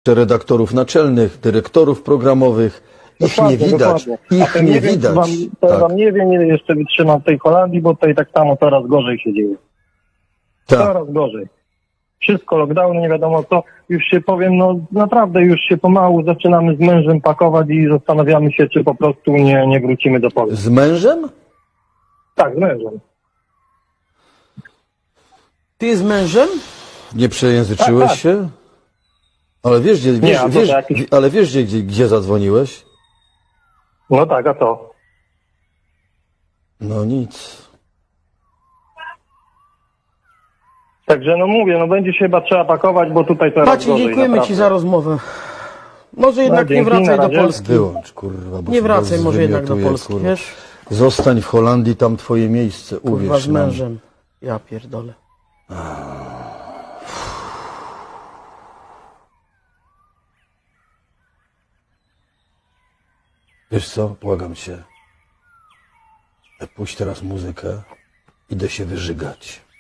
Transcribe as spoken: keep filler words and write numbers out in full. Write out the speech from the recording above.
redaktorów naczelnych, dyrektorów programowych. Ich Dokładnie, nie widać. dokładnie. A Ich to nie wiem, widać. Czy wam, to Tak. wam nie wiem, ile jeszcze wytrzymam w tej Holandii, bo tutaj tak samo coraz gorzej się dzieje. Tak. Coraz gorzej. Wszystko, lockdowny, nie wiadomo co. Już się powiem, no naprawdę już się pomału zaczynamy z mężem pakować i zastanawiamy się, czy po prostu nie, nie wrócimy do Polski. Z mężem? Tak, z mężem. Ty z mężem? Nie przejęzyczyłeś Tak, tak. się? Ale wiesz, gdzie, Nie, wiesz, a to wiesz, jakiś- ale wiesz gdzie, gdzie, gdzie zadzwoniłeś? No tak, a co? No nic. Także no mówię, no będzie się chyba trzeba pakować, bo tutaj coraz Maciej, gorzej. dziękujemy naprawdę. Ci za rozmowę. Może jednak nie dzięki, wracaj na do razie. Polski. Wyłącz, kurwa. Bo Nie się wracaj was może jednak do zwymiotuję, Polski, kurwa. wiesz? Zostań w Holandii, tam twoje miejsce, Kurwa uwierz z nam. mężem. Ja pierdolę. Wiesz co, błagam cię. Puść teraz muzykę. Idę się wyżygać.